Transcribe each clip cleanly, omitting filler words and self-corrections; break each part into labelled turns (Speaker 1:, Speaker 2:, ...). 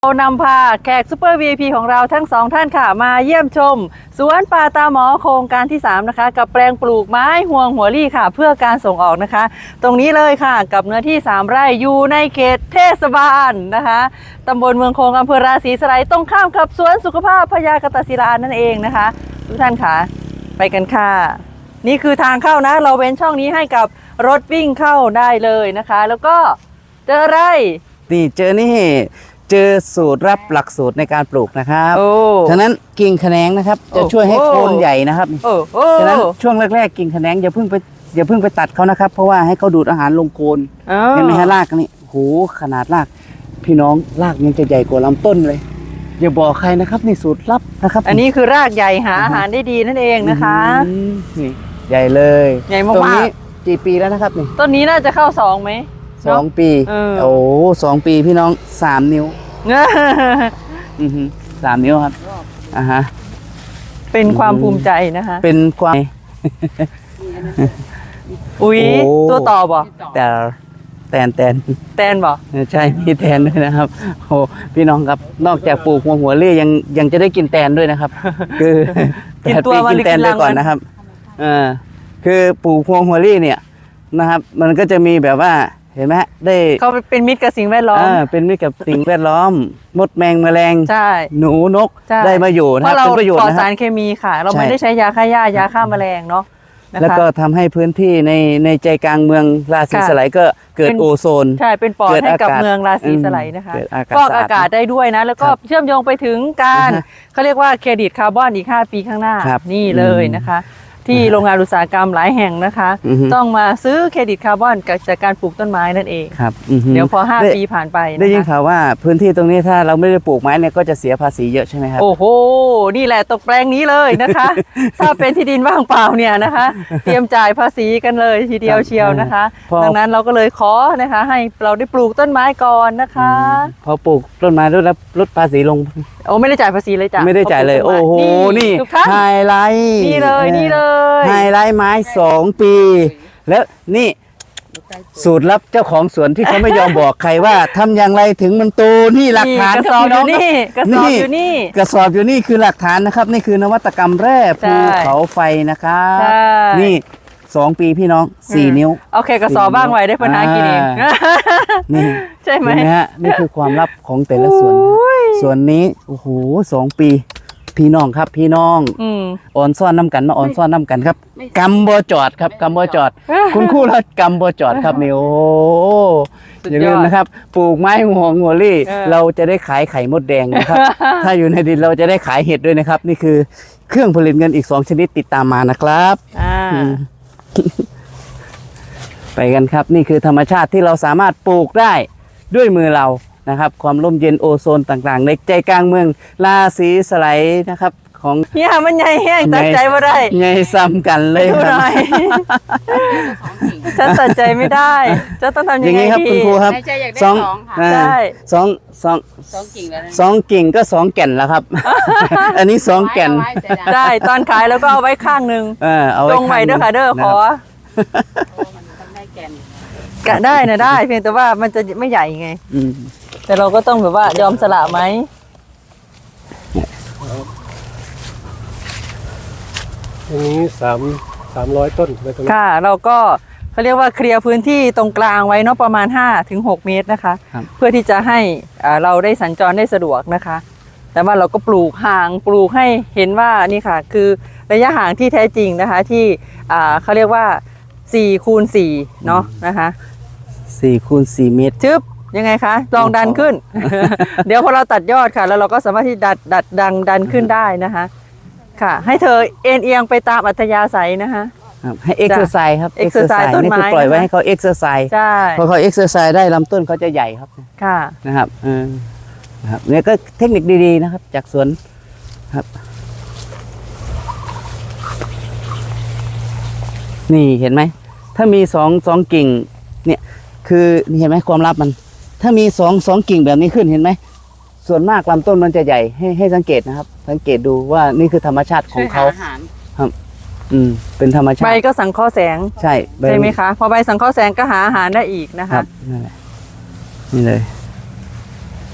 Speaker 1: เรานำพาแขกซูเปอร์ VIP ของเราทั้งสองท่านค่ะมาเยี่ยมชมสวนป่าตาหมอโครงการที่3นะคะกับแปลงปลูกไม้ห่วงหัวลี่ค่ะเพื่อการส่งออกนะคะ ตรงนี้เลยค่ะกับเนื้อที่3ไร่อยู่ในเขตเทศบาลนะคะตำบลเมืองโคงอำเภอราศีสไลยตรงข้ามกับสวนสุขภาพพญากตศิลานั่นเองนะคะทุกท่านค่ะไปกันค่ะนี่คือทางเข้านะเราเว้นช่องนี้ให้กับรถวิ่งเข้าได้เลยนะคะแล้วก็เจออะไร
Speaker 2: นี่เจอนี่เจอสูตรรับหลักสูตรในการปลูกนะครับฉะนั้นกิ่งแขนงนะครับจะช่วยให้โคนใหญ่นะครับฉะนั้นช่วงแรกๆกิ่งแขนงอย่าเพิ่งไปตัดเขานะครับเพราะว่าให้เขาดูดอาหารลงโคนเห็นไหมฮะรากนี่โหขนาดรากพี่น้องรากยังจะใหญ่กว่าลำต้นเลยอย่าบอกใครนะครับนี่สูตรลับนะครับ
Speaker 1: อันนี้คือรากใหญ่หาอาหารได้ดีนั่นเองนะคะ
Speaker 2: นี่ใหญ่เลย
Speaker 1: ใหญ่มากๆ
Speaker 2: ตรงนี้กี่ปีแล้วนะครับนี่
Speaker 1: ต้นนี้น่าจะเข้า2ไหม
Speaker 2: 2 ปีโอ้2 ปีพี่น้อง3 นิ้ว3 นิ้วครับฮะ
Speaker 1: เป็นความภูมิใจนะคะ
Speaker 2: เป็นความ
Speaker 1: อุ๊ยตัวต่อบ่
Speaker 2: แต่แตน
Speaker 1: บ่
Speaker 2: ใช่มีแตนด้วยนะครับโอ้พี่น้องครับนอกจากปลูกหัวเรี่ยังจะได้กินแตนด้วยนะครับคือ
Speaker 1: กินตัวมัน
Speaker 2: กินแตนไปก่อนนะครับคือปลูกหัวเรี่เนี่ยนะครับมันก็จะมีแบบว่าเห็นไหมได้
Speaker 1: เขาเป็นมิตรกับสิ่งแวดล้อม
Speaker 2: เป็นมิตรกับสิ่งแวดล้อมมดแมงแมลง
Speaker 1: ใช่
Speaker 2: หนูนกได้มาอยู่นะ
Speaker 1: เป็น
Speaker 2: ประโยชน์
Speaker 1: นะปลอดสารเคมีค่ะเราไม่ได้ใช้ยาฆ่าหญ้ายาฆ่าแมลงเนาะ
Speaker 2: แล้วก็ทำให้พื้นที่ในใจกลางเมืองราศีสไลยก็เกิดโอโซน
Speaker 1: ใช่เป็นปอดให้กับเมืองราศีสไลยนะคะฟอกอากาศได้ด้วยนะแล้วก็เชื่อมโยงไปถึงการเขาเรียกว่าเครดิตคาร์บอนอีก5 ปีข้างหน้านี่เลยนะคะที่โรงงานอุตสาหกรรมหลายแห่งนะคะต้องมาซื้อเครดิตคาร์บอนจากการปลูกต้นไม้นั่นเอง
Speaker 2: ครับ
Speaker 1: เดี๋ยวพอ5 ปีผ่านไป
Speaker 2: ได้ยินข่าวว่าพื้นที่ตรงนี้ถ้าเราไม่ได้ปลูกไม้เนี่ยก็จะเสียภาษีเยอะใช่ไหมครับ
Speaker 1: โอ้โหนี่แหละตกแปลงนี้เลยนะคะถ้าเป็นที่ดินว่างเปล่าเนี่ยนะคะเตรียมจ่ายภาษีกันเลยทีเดียวเชียวนะคะดังนั้นเราก็เลยขอนะคะให้เราได้ปลูกต้นไม้ก่อนนะคะ
Speaker 2: พอปลูกต้นไม้แล้วลดภาษีลง
Speaker 1: โอ้ไม่ได้จ่ายภาษีเลยจ้ะ
Speaker 2: ไม่ได้จ่ายเลยโอ้โหนี่ไฮไลท์
Speaker 1: นี่เลย
Speaker 2: ไฮไลท์ไม้2 ปีแล้วนี่สูตรลับเจ้าของสวนที่เขาไม่ยอมบอกใครว่าทำอย่างไรถึงมันโตนี่หลักฐาน
Speaker 1: กระสอบอยู่นี่กระสอบอยู่นี่
Speaker 2: กระสอบอยู่นี่คือหลักฐานนะครับนี่คือนวัตกรรมแร่ภูเขาไฟนะครับนี่2 ปีพี่น้อง4 นิ้ว
Speaker 1: โอเคกระสอบบ้างไว้ได้ปัญหากินเอง
Speaker 2: นี่
Speaker 1: ใช่ไหม
Speaker 2: ฮะนี่คือความลับของแต่ละสวนส่วนนี้โอ้โห2 ปีพี่น้องครับพี่น้องอ่อนซ่อนน้ำกันมาอ่อนซ่อนน้ำกันครับกำบ่จอดครับกำบ่จอดคุณครูรัดกำบ่จอดครับนี่โอ้อย่าลืมนะครับปลูกไม้หัวลี่เราจะได้ขายไข่มดแดงนะครับถ้าอยู่ในดินเราจะได้ขายเห็ดด้วยนะครับนี่คือเครื่องผลิตเงินอีก2 ชนิดติดตามมานะครับไปกันครับนี่คือธรรมชาติที่เราสามารถปลูกได้ด้วยมือเรานะครับความร่มเย็นโอโซนต่างๆในใจกลางเมืองราศีสไลยนะครับของ
Speaker 1: เนี่ยมันใหญ่แห้งตัดใจไม่ได้
Speaker 2: ใหญ่ซ้ำกันเลยครับ
Speaker 1: ฉันตัดใจไม่ได้จะต้องทำยังไง
Speaker 2: ครับคุณครูครับ2 กิ่งก็2 แก่นแล้วครับอันนี้2 แก่น
Speaker 1: ได้ตอนขายแล้วก็เอาไว้ข้างนึงตรงไว้เด้อค่ะเด้อขอได้นะได้เพียงแต่ว่ามันจะไม่ใหญ่ไงแต่เราก็ต้องแบบว่ายอมสละไหม
Speaker 3: อันนี้300 ต้น
Speaker 1: ค่ะเราก็เขาเรียกว่าเคลียร์พื้นที่ตรงกลางไว้เนาะประมาณ5-6 เมตรนะคะเพื่อที่จะให้เราได้สัญจรได้สะดวกนะคะแต่ว่าเราก็ปลูกห่างปลูกให้เห็นว่านี่ค่ะคือระยะห่างที่แท้จริงนะคะที่เขาเรียกว่า4x4เนาะนะคะ
Speaker 2: 4x4 เมตร
Speaker 1: ชึบยังไงคะลองดันขึ้น เดี๋ยวพอเราตัดยอดค่ะแล้วเราก็สามารถที่ดันขึ้นได้นะคะค่ะให้เธอเอ็นเอียงไปตามอัธยาศัยนะคะ
Speaker 2: ให้เอ็กซ์เซอร์ไซส์ครับ
Speaker 1: เอ็กซ์เซอร์ไซส์ต้นไม้
Speaker 2: นี่คือปล่อยไว้ให้เขาเอ็กซ์เซอร์ไซส์พอเขาเอ็กซ์เซอร์ไซส์ได้ลำต้นเขาจะใหญ่ครับ
Speaker 1: ค่ะ
Speaker 2: นะครับเนี่ยก็เทคนิคดีๆนะครับจากสวนครับนี่เห็นไหมถ้ามี2 กิ่งเนี่ยคือเห็นไหมความลับมันถ้ามี2 กิ่งแบบนี้ขึ้นเห็นไหมส่วนมากลำต้นมันจะใหญ่ให้สังเกตนะครับสังเกตดูว่านี่คือธรรมชาติของเขาครับเป็นธรรมชาติ
Speaker 1: ใบก็สังเคราะห์แสง
Speaker 2: ใช่
Speaker 1: ไหมคะพอใบสังเคราะห์แสงก็หาอาหารได้อีกนะคะ
Speaker 2: นี่เลย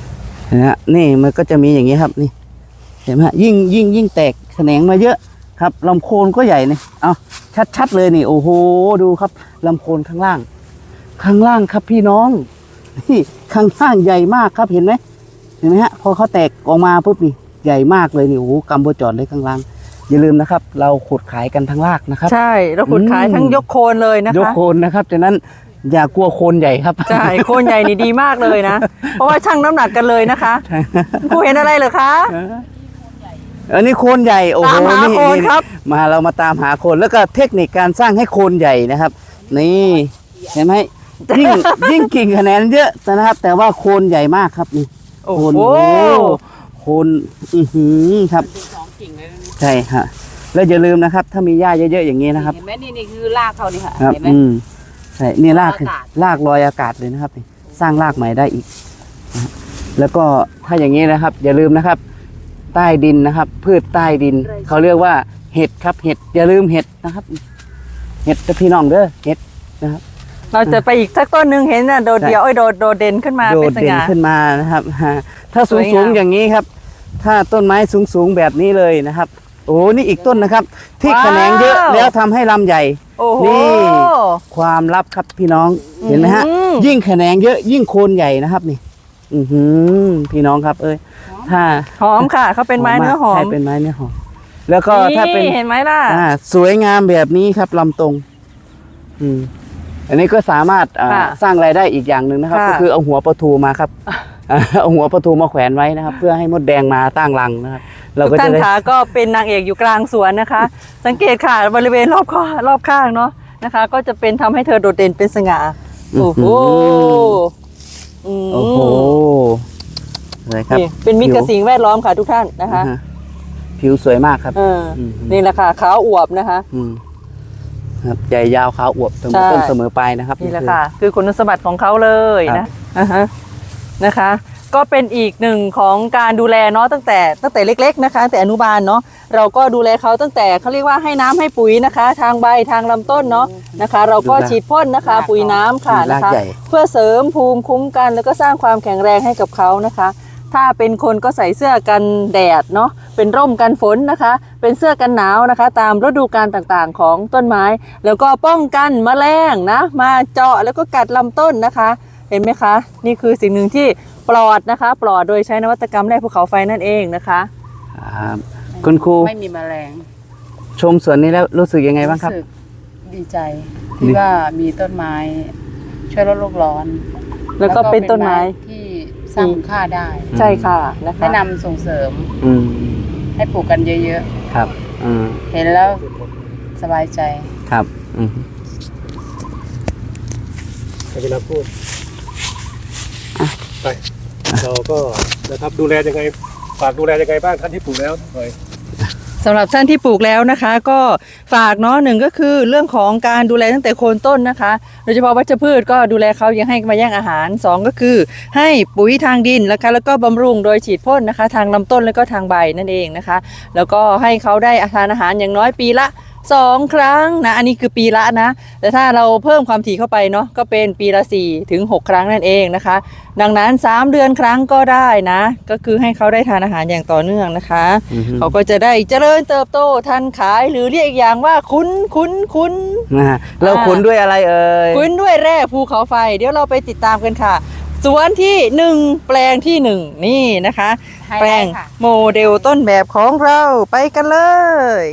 Speaker 2: นะฮะนี่มันก็จะมีอย่างนี้ครับนี่เห็นไหมฮะยิ่งแตกแขนงมาเยอะครับลำโคนก็ใหญ่เนี่ยเอาชัดเลยนี่โอ้โหดูครับลำโคนข้างล่างครับพี่น้องนี่ข้างล่างใหญ่มากครับเห็นไหมฮะพอเขาแตกออกมาปุ๊บนี่ใหญ่มากเลยนี่โอ้โหกัมโบจอดเลยข้างล่างอย่าลืมนะครับเราขุดขายกันทั้งรากนะครับ
Speaker 1: ใช่เราขุดขายทั้งยกโคนเลยนะคะ
Speaker 2: ยกโคนนะครับฉะนั้นอย่ากลัวโคนใหญ่ครับ
Speaker 1: ใช่โคนใหญ่นี่ดีมากเลยนะเพราะว่าชั่งน้ำหนักกันเลยนะคะผู้เห็นอะไรเหรอคะ
Speaker 2: อันนี้โคนใหญ่โอ้โห
Speaker 1: ตามหาโคนครับ
Speaker 2: มาเรามาตามหาโคนแล้วก็เทคนิคการสร้างให้โคนใหญ่นะครับนี่เห็นไหมยิ่งกิ่งคะแนนเยอะนะครับแต่ว่าโคนใหญ่มากครับนี่โคนโคนครับใช่ฮะแล้วอย่าลืมนะครับถ้ามีหญ้าเยอะๆอย่างนี้นะครับ
Speaker 4: เห็นไหมนี่คือรากเขานี่ค่ะ
Speaker 2: ครับ
Speaker 4: เห็นไหม
Speaker 2: ใช่นี่รากลอยอากาศเลยนะครับสร้างรากใหม่ได้อีกแล้วก็ถ้าอย่างนี้นะครับอย่าลืมนะครับใต้ดินนะครับพืชใต้ดินเขาเรียกว่าเห็ดครับเห็ดอย่าลืมเห็ดนะครับเห็ดพี่น้องเด้อเห็ดนะครับ
Speaker 1: เราจะไปอีกสักต้นหนึ่งเห็นน่ะโดดเดี่ยวโดดเด่นขึ้นมาเป็นสง่า
Speaker 2: ขึ้นมานะครับถ้าสูงอย่างนี้ครับถ้าต้นไม้สูงแบบนี้เลยนะครับโอ้นี่อีกต้นนะครับที่แขนงเยอะแล้วทำให้ลำใหญ่นี่ความลับครับพี่น้องเห็นไหมฮะยิ่งแขนงเยอะยิ่งโคนใหญ่นะครับนี่พี่น้องครับถ้า
Speaker 1: หอมค่ะเขาเป็นไม้เนื้อหอม
Speaker 2: ใช่เป็นไม้เนื้อหอมแล้วก็ถ้าเป็น
Speaker 1: เห็นไหมล่ะ
Speaker 2: สวยงามแบบนี้ครับลำตรงอันนี้ก็สามารถสร้างรายได้อีกอย่างหนึ่งนะครับก็คือเอาหัวปลาทูมาครับเอาหัวปลาทูมาแขวนไว้นะครับเพื่อให้มดแดงมาตั้งรังนะครับ
Speaker 1: เราก็จะขาก็เป็นนางเอกอยู่กลางสวนนะคะ สังเกตค่ะบริเวณรอบข้างเนาะนะคะ ก็จะเป็นทำให้เธอโดดเด่นเป็นสง่าโอ้โห
Speaker 2: เลยครับ
Speaker 1: เป็นมิตรกับสิ่งแวดล้อมค่ะทุกท่านนะคะ
Speaker 2: ผิวสวยมากครับ
Speaker 1: นี่แหละค่ะขาวอวบนะคะ
Speaker 2: ครับใหญ่ยาวขาวอวบเสมอต้นเสมอปลายนะครับ
Speaker 1: นี่แหละค่ะคือคุณสมบัติของเขาเลยนะคะ ก็เป็นอีกหนึ่งของการดูแลเนาะตั้งแต่เล็กๆนะคะแต่อนุบาลเนาะเราก็ดูแลเขาตั้งแต่เขาเรียกว่าให้น้ำให้ปุ๋ยนะคะ ทางใบทางลำต้นเนาะนะคะ เราก็ฉีดพ่นนะคะปุ๋ยน้ำค่ะนะคะเพื่อเสริมภูมิคุ้มกันแล้วก็สร้างความแข็งแรงให้กับเขานะคะถ้าเป็นคนก็ใส่เสื้อกันแดดเนาะเป็นร่มกันฝนนะคะเป็นเสื้อกันหนาวนะคะตามฤดูกาลต่างๆของต้นไม้แล้วก็ป้องกันแมลงนะมาเจาะแล้วก็กัดลำต้นนะคะเห็นไหมคะนี่คือสิ่งหนึ่งที่ปลอดนะคะปลอดโดยใช้นวัตกรรมแร่ภูเขาไฟนั่นเองนะคะ
Speaker 2: คุณครู
Speaker 4: ไม่มีแมลง
Speaker 2: ชมสวนนี้แล้วรู้สึกยังไงบ้างครับ
Speaker 4: รู้สึกดีใจที่ว่ามีต้นไม้ช่วยลดโลกร้อน
Speaker 1: แล้วก็เป็นต้นไม้
Speaker 4: ที่สร้างค่าได้
Speaker 1: ใช่ค่ะนะคะ
Speaker 4: แนะนำส่งเสริมให้ปลูกกันเยอะ
Speaker 2: ๆครับ
Speaker 4: เห็นแล้วสบายใจ
Speaker 2: ครับ
Speaker 3: เวลาพูดไปเราก็นะครับดูแลยังไงฝากดูแลยังไงบ้างท่านที่ปลูกแล้วหน่อย
Speaker 1: สำหรับท่านที่ปลูกแล้วนะคะก็ฝากเนาะหนึ่งก็คือเรื่องของการดูแลตั้งแต่โคนต้นนะคะโดยเฉพาะวัชพืชก็ดูแลเขายังให้มาแย่งอาหาร2ก็คือให้ปุ๋ยทางดินนะคะแล้วก็บำรุงโดยฉีดพ่นนะคะทางลำต้นแล้วก็ทางใบนั่นเองนะคะแล้วก็ให้เขาได้ทานอาหารอย่างน้อยปีละ2 ครั้งนะอันนี้คือปีละนะแต่ถ้าเราเพิ่มความถี่เข้าไปเนาะก็เป็นปีละ4 ถึง 6 ครั้งนั่นเองนะคะดังนั้น3 เดือนครั้งก็ได้นะก็คือให้เขาได้ทานอาหารอย่างต่อเนื่องนะคะเขาก็จะได้เจริญเติบโตทันขายหรือเรียกอีกอย่างว่าคุ้น
Speaker 2: เราคุ้นด้วยอะไร
Speaker 1: คุ้นด้วยแร่ภูเขาไฟเดี๋ยวเราไปติดตามกันค่ะสวนที่1แปลงที่1นี่นะคะแปลงโมเดลต้นแบบของเราไปกันเลย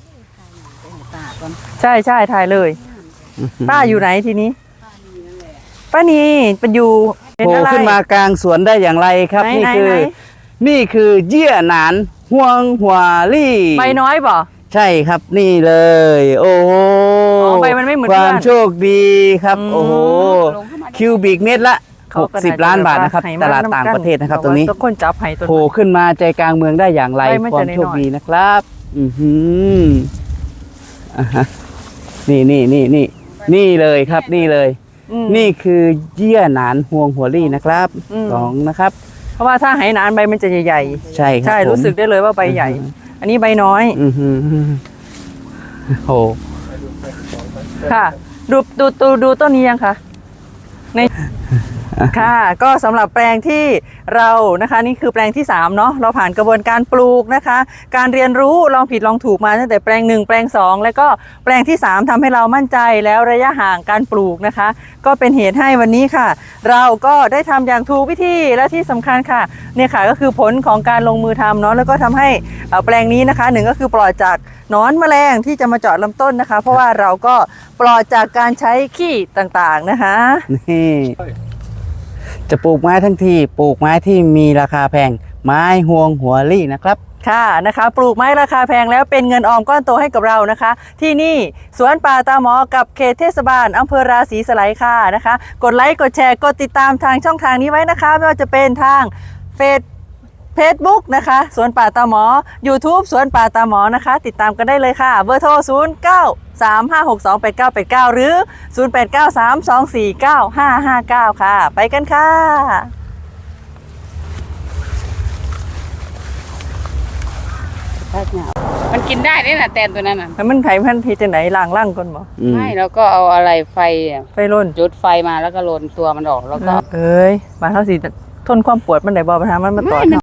Speaker 1: ใช่ถ่ายเลยป้าอยู่ไหนทีนี้ป้านีเป็นอยู่
Speaker 2: โผล่ขึ้นมากลางสวนได้อย่างไรครับนี่คือเยี่ยหนานห่วงหัวลี่
Speaker 1: ใบน้อยบ่
Speaker 2: ใช่ครับนี่เลยโอ้โห
Speaker 1: ใบมันไม่เหมือน
Speaker 2: ความโชคดีครับโอ้โหคิวบิกเมตรละ60 ล้านบาทนะครับตลาดต่างประเทศนะครับตรงนี้โผล่ขึ้นมาใจกลางเมืองได้อย่างไรความโชคดีนะครับนี่เลยครับนี่เลยนี่คือเยี่ยหนานห่วงหัวลี่นะครับ2นะครับ
Speaker 1: เพราะว่าถ้าไหหนานใบมันจะใหญ่ๆ
Speaker 2: ใช่ครับ
Speaker 1: รู้สึกได้เลยว่าใบใหญ่อันนี้ใบน้อย
Speaker 2: โอ้
Speaker 1: ค่ะดูต้นนี้ยังคะในค่ะก็สำหรับแปลงที่เรานะคะนี่คือแปลงที่3เนาะเราผ่านกระบวนการปลูกนะคะ การเรียนรู้ลองผิดลองถูกมาตั้งแต่แปลง1แปลง2แล้วก็แปลงที่3ทำให้เรามั่นใจแล้วระยะห่างการปลูกนะคะ ก็เป็นเหตุให้วันนี้ค่ะ เราก็ได้ทำอย่างถูกวิธีและที่สำคัญค่ะเนี่ยค่ะก็คือผลของการลงมือทำเนาะแล้วก็ทำให้แปลงนี้นะคะ1ก็คือปลอดจากหนอนแมลงที่จะมาเจาะลำต้นนะคะ เพราะว่าเราก็ปลอดจากการใช้ขี้ต่างๆนะคะ
Speaker 2: นี่จะปลูกไม้ทั้งทีปลูกไม้ที่มีราคาแพงไม้ห่วงหัวลี่นะครับ
Speaker 1: ค่ะนะคะปลูกไม้ราคาแพงแล้วเป็นเงินออมก้อนโตให้กับเรานะคะ ที่นี่สวนป่าตาหมอกับเขตเทศบาลอำเภอราศีสไลยค่ะนะคะ กดไลค์กดแชร์กดติดตามทางช่องทางนี้ไว้นะคะไม่ว่าจะเป็นทางFacebook นะคะสวนป่าตาหมอ YouTube สวนป่าตาหมอนะคะ ติดตามกันได้เลยค่ะเบอร์โทร 0935628989 หรือ 0893249559 ค่ะ ไปกันค่ะ
Speaker 4: มันกินได้ด้วยนะแตนตัวนั้นน่ะ
Speaker 1: แล้วมันไผ่พันธุ์ที่จะไหนล่างล่างก่อนบ่
Speaker 4: ไม่แล้วก็เอาอะไรไฟอะ
Speaker 1: ไฟร่น
Speaker 4: จุดไฟมาแล้วก็โรนตัวมันออกแล้วก็
Speaker 1: เอ้ยมาเท่าสิทนความปวดมันได้บ่ปัญหามันมาต่อ